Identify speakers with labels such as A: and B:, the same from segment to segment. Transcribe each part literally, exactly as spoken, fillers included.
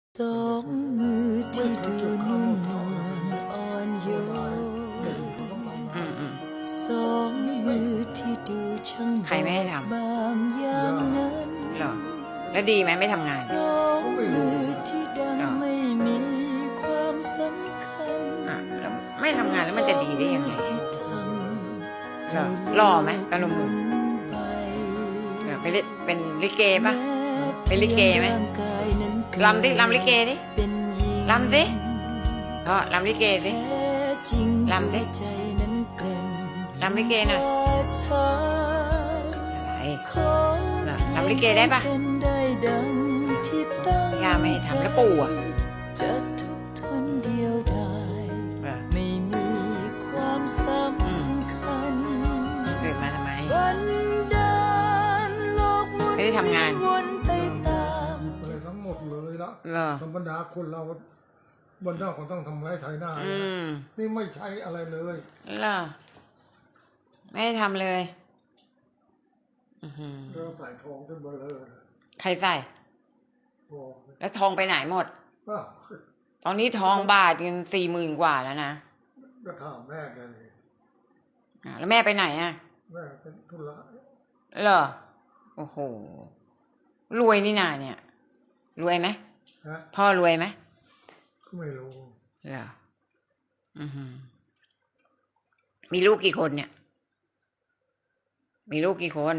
A: สองมือที่ดูนุ่มนวลอ่อนโยน
B: อืมอืม
A: สองมือที่ดูช่าง
B: ใครไม่ให้ทำ
A: บางอย่างนั้น
B: เหรอ แล้วดีไหมไม่ทำงาน
A: สองมือที่ดัง
B: เหรอ
A: ไม่มีความสำคัญ
B: อ่ะแล้วไม่ทำงานแล้วมันจะดีได้ยังไง
A: ที่ท
B: เหรอ
A: ำ
B: หล่อไหมตาหนุ่ม
A: ไป
B: ๆเหรอเป็นลิเป็นลิเกปะ เป็นลิเกไหม
A: ร่างกายนั้นเกิด
B: ลำดิลำลิเกดิ
A: เป็นหญิง
B: ลำดิก็ลำลิเกดิ
A: แท้จริง
B: ลำดิ
A: หัวใจนั้นแกร่ง
B: ลำลิเกหน่อย
A: กว่าชาย
B: อะไร
A: ขอ
B: เหรอลำลิเกได้ปะ
A: เป็นได้ดังที่ตั้ง
B: ย่าไม่ให้ทำแล้วปู่อ่ะ
A: จะทุกข์ทนเดียวดาย
B: เหรอ
A: ไม่มีความสำคัญ
B: เกิดมาทำไม
A: วันดานโลกหมุน
B: ไม่ได้ทำงาน
A: วนไปตาม
C: เลยทั้งหมดเลยละ
B: เหรอ
C: ธรรมดาคนเราบนหน้าคนต้องทำไรไถหน้า
B: อืม
C: นี่ไม่ใช่อะไรเลย
B: เหรอ ไม่ได้ทำเลย อือหือ
C: เราใส่ทองจนเบลอ
B: ใครใส่
C: พอ
B: แล้วทองไปไหนหมด
C: อ้าว
B: ตอนนี้ทองบาทกันสี่หมื่นกว่าแล้วนะ
C: ก็ถามแม่แกัน
B: อ่ะแล้วแม่ไปไหนอ่ะ
C: แม่เป็นธุระ
B: เหรอ โอ้โห รวยนี่นาเนี่ย รวยไหม
C: ฮะ
B: พ่อรวยไหม
C: ก็ไม่รู้
B: เหรอ อือหือ มีลูกกี่คนเนี่ย มีลูกกี่คน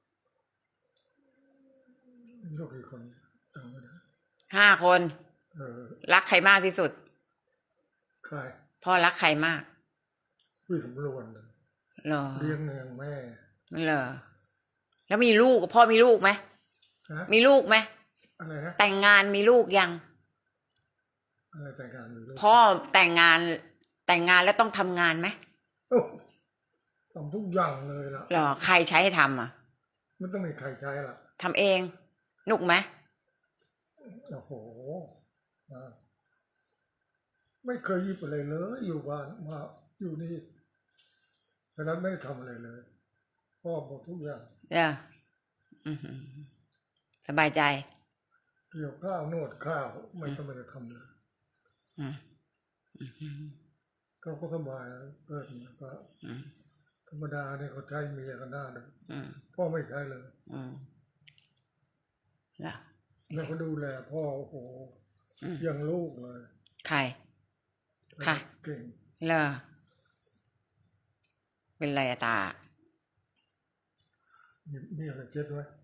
C: ลูกกี่คนจำไม่ได้
B: ห้าคน
C: เออ
B: รักใครมากที่สุด
C: ใคร
B: พ่อรักใครมาก
C: พี่สำรวจ
B: เหรอ
C: เลี้ยงเนียงแม่
B: เหรอ แล้วมีลูกพ่อมีลูกไหม
C: ฮะ
B: มีลูกไหม
C: อะไรนะ
B: แต่งงานมีลูกยัง
C: อะไรแต่งงานอยู่ลูก
B: พ่อแต่งงาน แต่งงานแล้วต้องทำงานไหม
C: โอ้ทำทุกอย่างเลยล่ะ
B: เหรอ ใครใช้ให้ทำอ่ะ
C: ไม่ต้องมีใครใช้ล่ะ
B: ทำเอง หนุกไหม
C: โอ้โหอ่าไม่เคยหยิบอะไรเลยอยู่บ้านมาอยู่นี่ฉะนั้นไม่ได้ทำอะไรเลยพ่อบอกทุกอย่าง
B: เอออือหือสบายใจ
C: เกี่ยวข้าวนวดข้าวไม่ต้องไปทำเลย
B: อืมอือหือ
C: เขาก็สบายเกิดมาก็
B: อืม
C: ธรรมดาเนี่ยเขาใช้เมียกันได้เลย
B: อืม
C: พ่อไม่ใช้เลย
B: อืมเหรอ
C: แล้วก็ดูแลพ่อโอ้โห
B: อืม
C: ยังลูกเลย
B: ใคร ค่ะ
C: เก่ง
B: เหรอ เป็นไรอะตา
C: มีมีอะไรเจ็ดไว้